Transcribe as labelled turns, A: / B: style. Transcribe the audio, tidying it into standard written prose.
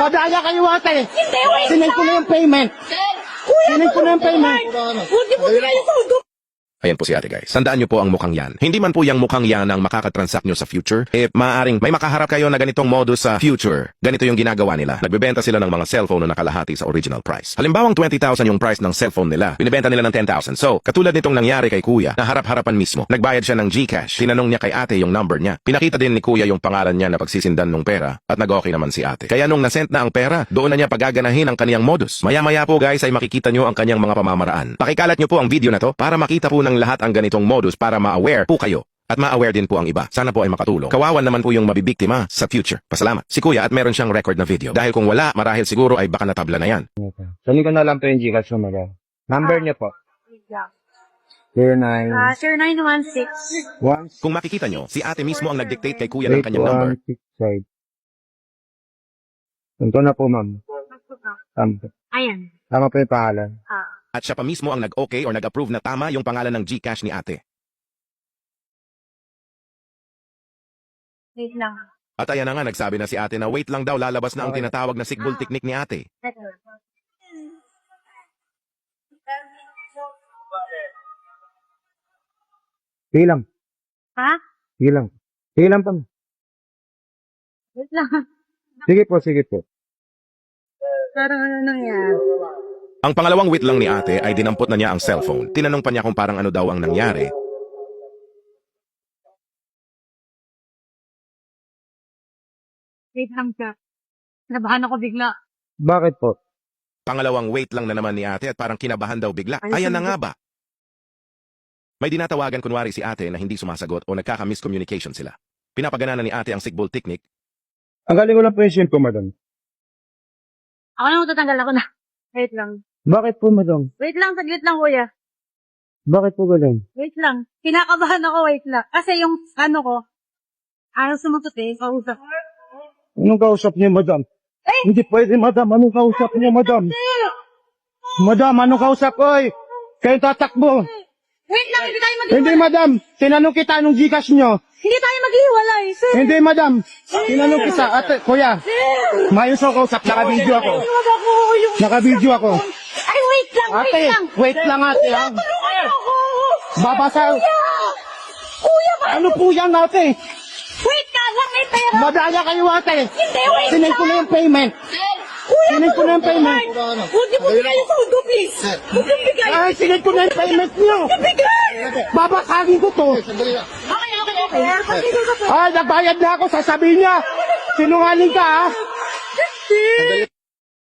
A: Madaya kayo ate.
B: Hindi, wait
A: Sinend ko na yung payment.
B: Kuya,
A: Sinend ko na yung payment.
B: Huwag niyo po bigay yung sundo.
C: Ayan po si ate guys. Tandaan nyo po ang mukhang yan. Hindi man po yung mukhang yan ang makakatransact nyo sa future. Maaaring may makaharap kayo na ganitong modus sa future. Ganito yung ginagawa nila. Nagbebenta sila ng mga cellphone na nakalahati sa original price. Halimbawang 20,000 yung price ng cellphone nila. Binibenta nila ng 10,000. So, katulad nitong nangyari kay kuya, na harap-harapan mismo. Nagbayad siya ng GCash. Tinanong niya kay ate yung number niya. Pinakita din ni kuya yung pangalan niya na pagsisindan ng pera. At nag-okay naman si ate. Kaya nung nasent na ang pera, doon na niya pagaganahin ang kaniyang modus. Maya-maya po guys ay makikita nyo ang kanyang mga pamamaraan. Pakikalat nyo po ang video na to para makita po ng lahat ang ganitong modus para ma-aware po kayo. At ma-aware din po ang iba. Sana po ay makatulong. Kawawan naman po yung mabibiktima sa future. Pasalamat. Si kuya at meron siyang record na video. Dahil kung wala, marahil siguro ay baka natabla na yan.
A: Sali ko na lang po yung Gcash mo mag. Number niya po. 09.
B: Sir 916.
A: 1.
C: Kung makikita nyo, si ate mismo ang nag-dictate kay kuya ng kanyang number.
A: 8165. Ito na po ma'am. Tama.
B: Ayan.
A: Tama po yung pangalan.
C: At siya pa mismo ang nag-okay or nag-approve na tama yung pangalan ng GCash ni ate.
B: Wait lang.
C: At ayan na nga, nagsabi na si ate na wait lang daw, lalabas na ang tinatawag na sigbol technique ni ate.
A: Sige lang.
B: Ha?
A: Sige lang. Sige lang pa.
B: Wait lang.
A: Sige po, sige po.
B: Parang ano nangyari?
C: Ang pangalawang wait lang ni ate ay dinampot na niya ang cellphone. Tinanong pa niya kung parang ano daw ang nangyari.
B: Wait lang siya. Nabahan ako bigla.
A: Bakit po?
C: Pangalawang wait lang na naman ni ate at parang kinabahan daw bigla. Ayan na nga ba? May dinatawagan kunwari si ate na hindi sumasagot o nagkaka-miscommunication sila. Pinapagana na ni ate ang sigbol technique.
A: Ang galing ko lang po yung SIM ko, madam.
B: Ako na matatanggal ako na. Wait lang.
A: Bakit po, madam?
B: Wait lang, saglit lang kuya.
A: Bakit po galing?
B: Wait lang. Kinakabahan ako, wait lang. Kasi yung ano ko, ayaw sumagot eh, kausap.
A: Anong kausap niyo, madam?
B: Eh!
A: Hindi pwede, madam. Anong kausap niyo, madam? Madam, anong kausap? Oy! Kayo tatakbo.
B: Wait lang, hindi tayo maghiwalay.
A: Hindi, madam. Tinanong kita anong Gcash nyo.
B: Hindi tayo maghiwalay, sir.
A: Hindi, madam. Tinanong kita. Ate, kuya. Mayos ako kausap. Naka-video ako.
B: Huwag ako yung...
A: Naka-video ako.
B: Ay, wait lang,
A: Ate,
B: wait lang.
A: wait lang, ate. Ha?
B: Tulungan ako.
A: Babasa.
B: Kuya, ba?
A: Ano po yan, ate?
B: Wait ka lang, may pera.
A: Madaya kayo, ate.
B: Hindi, wait
A: Sinend ko na yung payment.
B: Kuya,
A: Sinend ko na yung payment.
B: Huwag niyo po bigay yung sundo, please. Huwag niyo bigay.
A: Ay, sinend ko na yung payment niyo.
B: Bigay.
A: Babasagin ko to.
B: Okay.
A: Ay, nagbayad na ako. Sasabihin niya. Sinungaling ka, ha?